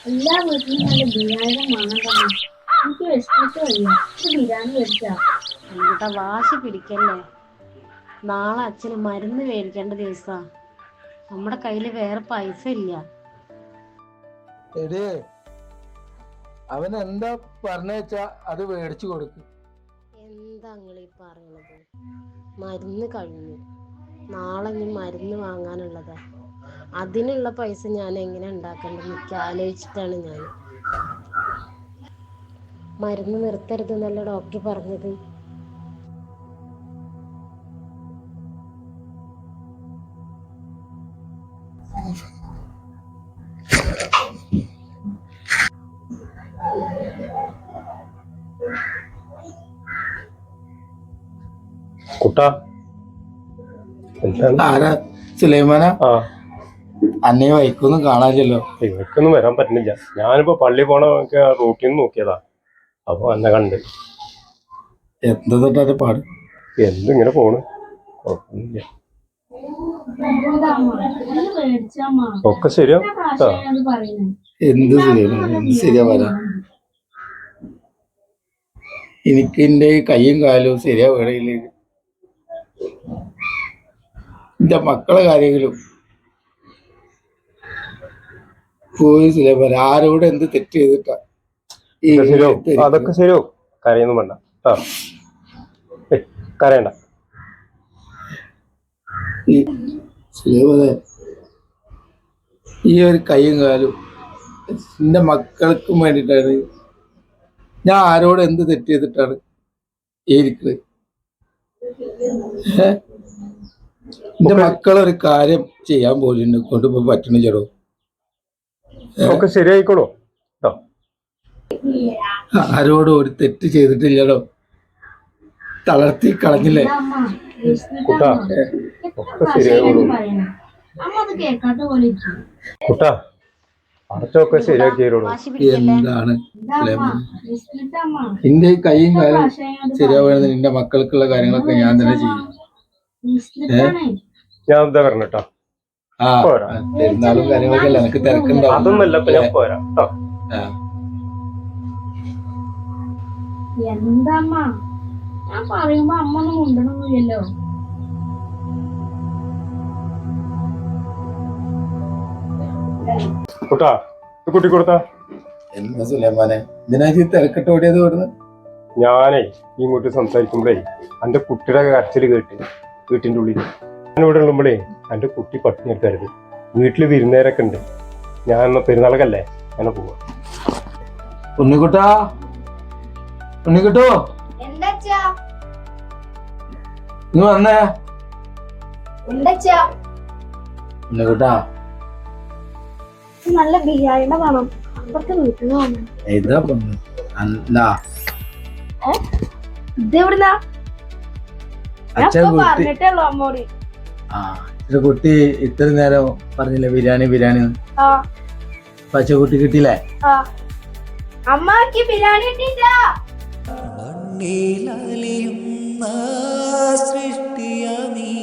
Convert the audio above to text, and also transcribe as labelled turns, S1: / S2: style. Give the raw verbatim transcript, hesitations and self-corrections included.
S1: എല്ലാ വീട്ടിലും നല്ല ബിരിയാണിയുടെ മണം തന്നെ. എനിക്ക് വിശന്നിട്ട് വയ്യ. ഇത് ബിരിയാണി മേടിച്ചാ.
S2: എന്താ വാശി പിടിക്കല്ലേ? നാളെ അച്ഛന് മരുന്ന് മേടിക്കേണ്ട ദിവസാ. നമ്മുടെ കയ്യില് വേറെ പൈസ ഇല്ല.
S3: എടേ, അവൻ എന്താ പറഞ്ഞാ അത് മേടിച്ചു കൊടുക്കും.
S2: എന്താ നിങ്ങൾ ഈ പറയണത്? മരുന്ന് കഴിഞ്ഞു, നാളെ ഇനി മരുന്ന് വാങ്ങാനുള്ളതാ. അതിനുള്ള പൈസ ഞാൻ എങ്ങനെ ഉണ്ടാക്കേണ്ടത് എനിക്ക് ആലോചിച്ചിട്ടാണ് ഞാൻ. മരുന്ന് നിർത്തരുതെന്നല്ല ഡോക്ടർ പറഞ്ഞത്.
S4: കുട്ടാ,
S3: ആരാ? സുലൈമാനാ?
S4: ആ,
S3: അന്നേ വൈക്കൊന്നും കാണാനില്ലല്ലോ.
S4: ഇവർക്കൊന്നും വരാൻ പറ്റുന്നില്ല. ഞാനിപ്പോ പള്ളി പോണ റൂട്ടിൽ നിന്ന് നോക്കിയതാ, അപ്പൊ എന്നെ കണ്ട്.
S3: എന്താ തൊട്ടാ പാട്?
S4: എന്തിങ്ങനെ പോണ്, കുഴപ്പമൊന്നുമില്ല. ഒക്കെ ശരിയാ.
S3: എന്ത് സുലൈമാൻ, എന്ത് ശരിയാ പറയാ? എനിക്ക് എന്റെ കൈയും കാലും ശരിയാ വേണയില്ല. എന്റെ മക്കളെ കാര്യങ്ങളും പോയി സുലൈമാൻ. ആരോട് എന്ത് തെറ്റ് ചെയ്തിട്ടാ?
S4: അതൊക്കെ ശരിയോ, കരയൊന്നും വേണ്ട. ആ, കരയണ്ട.
S3: സുലൈമാനെ, ഈ ഒരു കൈയും കാലും എന്റെ മക്കൾക്കും വേണ്ടിയിട്ടാണ്. ഞാൻ ആരോട് എന്ത് തെറ്റ് ചെയ്തിട്ടാണ് ഇരിക്കുന്നത്? എന്റെ മക്കളൊരു കാര്യം ചെയ്യാൻ പോലും എന്നെ കൊണ്ടിപ്പോ പറ്റണില്ലടോ.
S4: ഒക്കെ ശരിയായിക്കോളൂ.
S3: ആരോടും ഒരു തെറ്റ് ചെയ്തിട്ടില്ലടോ. തളർത്തി കളഞ്ഞില്ലേ?
S4: കുട്ടാ, ഒക്കെ ശരിയായിക്കോളൂ. കുട്ടാ, അടച്ചൊക്കെ ശരിയാക്കിയോളൂ.
S3: എന്താണ് എന്റെ കൈയും കാലും ശരിയാവുന്നത്? നിന്റെ മക്കൾക്കുള്ള കാര്യങ്ങളൊക്കെ ഞാൻ തന്നെ ചെയ്യും.
S4: ഞാൻ എന്താ പറഞ്ഞിട്ടാ?
S3: ആ, പെരുന്നാളും കാര്യങ്ങളൊക്കെ അല്ല, എനിക്ക് തിരക്കുണ്ടാവും.
S4: അതൊന്നല്ല, ഞാൻ പോരാ.
S1: എന്താ ഞാൻ പറയുമ്പോ അമ്മ ഒന്നും മുണ്ടണമില്ലല്ലോ.
S4: കുട്ടാ, കുട്ടി കൊടുത്താ.
S3: എന്താ സുലൈമാനെ, ഇതിനാ തിരക്കിട്ട് ഓടിയത് കൊടുന്ന്?
S4: ഞാനേ ഇങ്ങോട്ട് സംസാരിക്കുമ്പോഴേ എന്റെ കുട്ടിയുടെ കരച്ചില് കേട്ട് വീട്ടിന്റെ ഉള്ളിൽ ഞാനിവിടെ ഉള്ളുമ്പോഴേ എന്റെ കുട്ടി പട്ടിണി എടുക്കരുത്. വീട്ടില് വിരുന്നേരൊക്കെ ഉണ്ട്. ഞാൻ എന്നാ പെരുന്നാളൊക്കെ അങ്ങനെ പോവാ.
S3: ഉണ്ണിക്കുട്ടാ, ഉണ്ണിക്കുട്ടോ, ഇന്ന് വന്നേ. ഉണ്ണിക്കുട്ടാ,
S1: നല്ല ബിരിയാണിയുടെ വേണം. അപ്പുറത്തെ വീട്ടിൽ നിന്ന് വന്നു.
S3: ഇതാ പൊന്ന്.
S1: ഇതെവിടുന്നാ? പറഞ്ഞിട്ടുള്ളൂ അമ്മോട്.
S3: ആ, ഇത് കുട്ടി ഇത്ര നേരം പറഞ്ഞില്ലേ ബിരിയാണി ബിരിയാണി. പച്ചക്കുട്ടി കിട്ടിയില്ലേ?
S1: അമ്മക്ക് ബിരിയാണി കിട്ടിയില്ല.
S5: സൃഷ്ടിയ നീ